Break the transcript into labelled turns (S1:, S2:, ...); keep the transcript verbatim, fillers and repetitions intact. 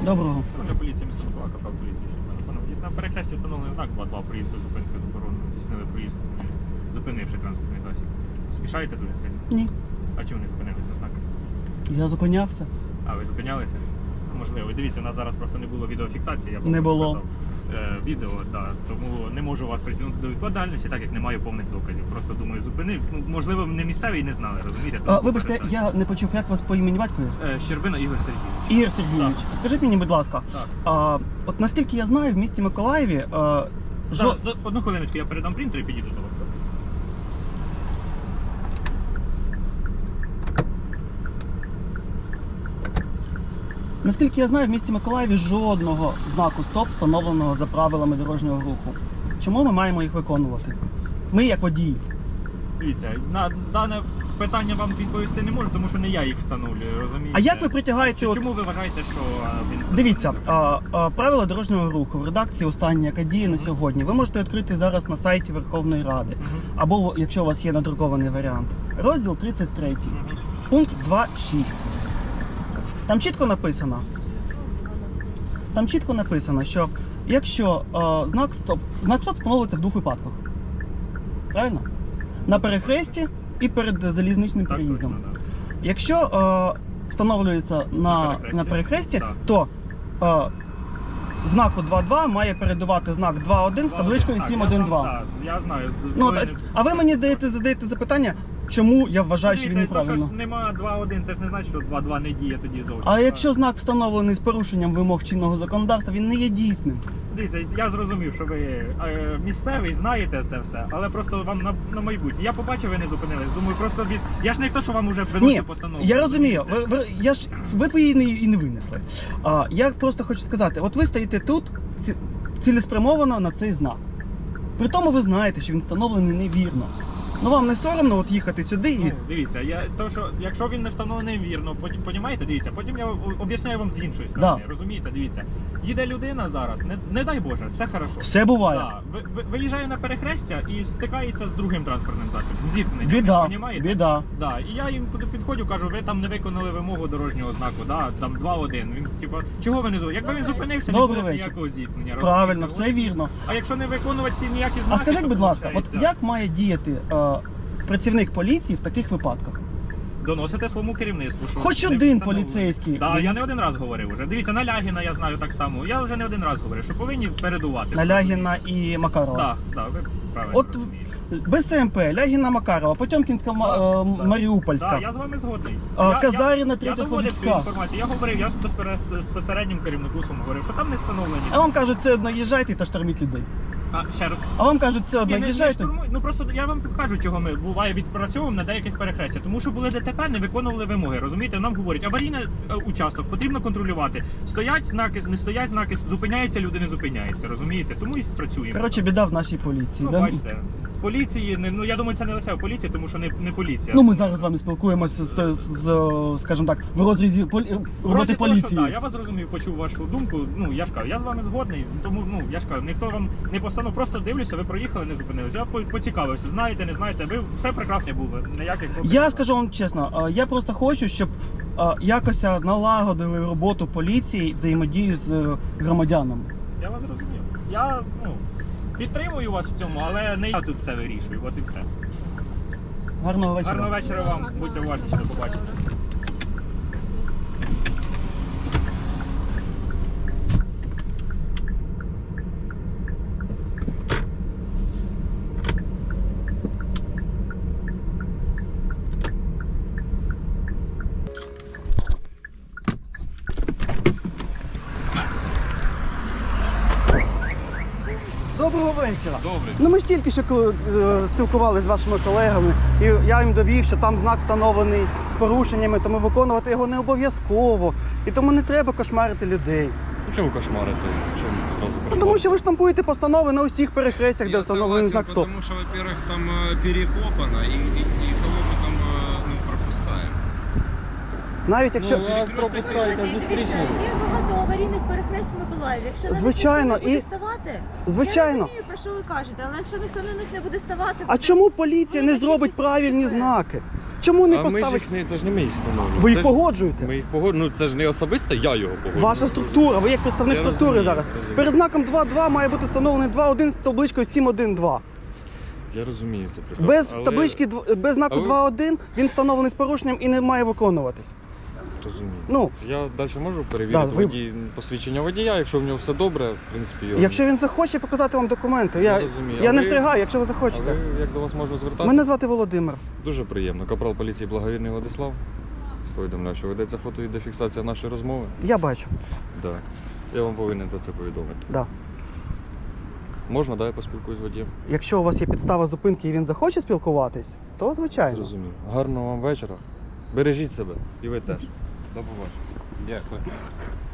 S1: Доброго.
S2: Патрульна поліція міста Микола, капітан поліції. На перехресті встановлений знак два два проїзд без зупинки заборонено. Здійснили проїзд, зупинивши транспортний засіб. Спішаєте дуже сильно?
S1: Ні.
S2: А чому не зупинились на знак?
S1: Я зупинявся.
S2: А, ви зупинялися? Можливо. Дивіться, у нас зараз просто не було відеофіксації. Я
S1: Не було.
S2: показав, е, відео, так. Тому не можу вас притягнути до відповідальності, так як не маю повних доказів. Просто думаю, зупинив. Ну, можливо, не місцеві і не знали, розумієте?
S1: А,
S2: Тому
S1: вибачте,
S2: попереджаю.
S1: я не почув, як вас по імені батькові?
S2: Е, Щербина Ігор Сергійович.
S1: Ігор Сергійович, скажіть мені, будь ласка,
S2: Так.
S1: а, от наскільки я знаю, в місті Миколаєві а, жо...
S2: Так, до- одну хвилиночку, я передам принтер і підійду до вас.
S1: наскільки я знаю, в місті Миколаєві жодного знаку стоп встановленого за правилами дорожнього руху. Чому ми маємо їх виконувати? Ми як водії.
S2: Дивіться, на дане питання вам відповісти не можу, тому що не я їх встановлюю, розумієте?
S1: А як ви притягаєте
S2: Чи-
S1: от-
S2: Чому ви вважаєте, що а, він встановлений
S1: Дивіться,
S2: законом?
S1: а, а, правила дорожнього руху в редакції останні, яка діє на сьогодні, ви можете відкрити зараз на сайті Верховної Ради.
S2: Мгм.
S1: Або, якщо у вас є надрукований варіант, розділ тридцять три,
S2: Мгм.
S1: пункт два шість. Там чітко написано, там чітко написано, що якщо е, знак стоп, знак стоп встановлюється в двох випадках. Правильно? На перехресті і перед залізничним
S2: Так,
S1: переїздом.
S2: точно, да.
S1: Якщо е, встановлюється на,
S2: На
S1: на
S2: перехресті.
S1: перехресті,
S2: Так.
S1: то е, знаку два два має передувати знак два один з табличкою
S2: Так,
S1: сім
S2: я
S1: один
S2: сам-
S1: два.
S2: так, Я знаю.
S1: Ну,
S2: коли
S1: так,
S2: не-
S1: а ви мені даєте, задаєте запитання, чому я вважаю, що він
S2: Дивіться, то,
S1: неправильно.
S2: що ж нема два один, це ж не значить, що два два не діє тоді зовсім.
S1: А якщо знак встановлений з порушенням вимог чинного законодавства, він не є дійсним.
S2: Дивіться, я зрозумів, що ви е, місцевий, знаєте це все, але просто вам на, на майбутнє. Я побачив, ви не зупинились. Думаю, просто від. Я ж не хто, що вам вже
S1: Ні,
S2: виносив постанову.
S1: я розумію. Ви, ви, я ж, ви б її не, і не винесли. А, я просто хочу сказати, от ви стоїте тут ці, цілеспрямовано на цей знак. При тому ви знаєте, що він встановлений невірно. Ну вам не соромно от їхати сюди і...
S2: Ну, дивіться, я то, що якщо він не встановлений вірно, потім понімаєте, дивіться, потім я об'ясняю вам з іншої сторони.
S1: Да.
S2: Розумієте, дивіться, їде людина зараз, не, не дай Боже, все хорошо.
S1: Все буває.
S2: Да, ви, ви, виїжджає на перехрестя і стикається з другим транспортним засобом. Зіткнення.
S1: Біда,
S2: понімаєте?
S1: біда.
S2: Да. І я їм туди підходжу, кажу, ви там не виконали вимогу дорожнього знаку, да, там два один. Він типу, чого ви не зупинилися? Якби він зупинився, не
S1: Добрий
S2: було б
S1: вечір.
S2: ніякого зіткнення.
S1: Правильно,
S2: розумієте?
S1: все вірно.
S2: А якщо не виконувати ці ніякі знаки,
S1: А скажіть,
S2: то
S1: будь ласка, от
S2: виходить,
S1: як має діяти е, працівник поліції в таких випадках?
S2: доносите своєму керівництву, що
S1: Хоч
S2: не
S1: один
S2: встановлено.
S1: поліцейський.
S2: Да, я не один раз говорив уже. Дивіться, на Лягіна я знаю так само. Я вже не один раз говорив, що повинні передувати.
S1: На Лягіна і Макарова.
S2: Так, так, ви правильно
S1: От
S2: розумієте.
S1: без СМП, Лягіна Макарова, Потьомкінська, Ма- е,
S2: Да,
S1: Маріупольська.
S2: Так, я з вами згодний.
S1: А,
S2: Я-
S1: Казаріна,
S2: я-
S1: Третя
S2: Я доводив цю
S1: Слобідська.
S2: інформацію. Я говорив, я з безпере- з безпосереднім керівнику своєму говорив, що там не встановлені.
S1: А вам кажуть, це одно їжджайте та шторміть людей.
S2: А, ще раз.
S1: А вам кажуть, це одно
S2: Ні, не- не
S1: їжджайте.
S2: штурмуй. Ну просто я вам кажу, чого ми буває відпрацьовуємо на деяких перехрестях. Тому що були ДТП, не виконували вимоги. Розумієте, нам говорять, аварійний е, участок потрібно контролювати. Стоять знаки, не стоять знаки, зупиняються люди, не зупиняються. Розумієте? Тому і працюємо.
S1: Коротше, біда в нашій поліції.
S2: Ну,
S1: да?
S2: бачите, поліції, не- ну я думаю, це не лише в поліції, тому що не, не поліція.
S1: Ну, ми зараз з вами спілкуємося з, з, з, скажімо так, в розрізі полі... роботи
S2: Просто того, що,
S1: поліції.
S2: да, я вас зрозумів, почув вашу думку. Ну я ж кажу, я з вами згодний, тому ну я ж кажу, ніхто вам не постанов, просто дивлюся, ви проїхали, не зупинилися. Я по- поцікавився, знаєте, не знаєте, ви все прекрасно було, ніяких проблем.
S1: Я скажу вам чесно, е, я просто хочу, щоб е, якось налагодили роботу поліції, взаємодію з е, громадянами.
S2: Я вас зрозумів. Я ну підтримую вас в цьому, але не я тут все вирішую. От і все.
S1: Гарного вечора.
S2: Гарного вечора вам, будьте уважніші, до побачення.
S1: Доброго вечора.
S3: Добре.
S1: Ну ми ж тільки що коли, е, спілкувалися з вашими колегами, і я їм довів, що там знак встановлений з порушеннями, тому виконувати його не обов'язково. І тому не треба кошмарити людей.
S3: Ну чому кошмарити? Чому зразу
S1: Ну,
S3: кошмарити?
S1: тому що ви ж штампуєте постанови на усіх перехрестях, де
S4: Я
S1: встановлений
S4: согласен,
S1: знак стоп.
S4: потому что, во-первых, там э, перекопано, и, и, и кого потом э, ну, пропускаем.
S1: Навіть якщо.
S3: Ну, а пропускаєте
S5: Дивіться,
S3: зустрічну.
S5: є багато аварійних перехрест в Миколаєві. Якщо на них
S1: Звичайно,
S5: ніхто не буде
S1: і-
S5: ставати,
S1: Звичайно.
S5: я розумію, про що ви кажете, але якщо ніхто на них не буде ставати,
S1: А
S5: буде-
S1: чому поліція не
S5: буде
S1: зробить
S5: кількість
S1: правильні
S5: ДТП.
S1: знаки? чому не
S3: а ми ж
S1: поставити?
S3: їх не, це ж не ми їх встановлюємо.
S1: Ви
S3: Це
S1: їх
S3: ж-
S1: погоджуєте?
S3: Ми їх погоджуємо, ну це ж не особисто, я його погоджую.
S1: Ваша структура, ви як представник
S3: Я
S1: структури
S3: розумію,
S1: зараз.
S3: розумію.
S1: Перед знаком два два має бути встановлений два один з табличкою сім один два.
S3: Я розумію це прекрасно.
S1: Без
S3: але-
S1: таблички, дв- без знаку
S3: Але-
S1: два один він встановлений з порушенням і не має виконуватись.
S3: Розумію.
S1: Ну,
S3: Я далі можу перевірити
S1: Да, ви-
S3: водій, посвідчення водія, якщо в нього все добре, в принципі, його...
S1: якщо він захоче показати вам документи, я,
S3: Я розумію.
S1: я
S3: А
S1: не
S3: ви-
S1: встрягаю, якщо ви
S3: А
S1: захочете.
S3: ви як до вас можна звертатися?
S1: Мене звати Володимир.
S3: Дуже приємно. Капрал поліції Благовірний Владислав. Повідомляю, що ведеться фото і дефіксація нашої розмови.
S1: Я бачу.
S3: Да. Я вам повинен про це повідомити.
S1: Да.
S3: Можна, да, я поспілкуюсь з водієм?
S1: Якщо у вас є підстава зупинки і він захоче спілкуватись, то звичайно.
S3: Зрозумів. Гарного вам вечора. Бережіть себе. І ви теж. До побачення.
S4: Дякую.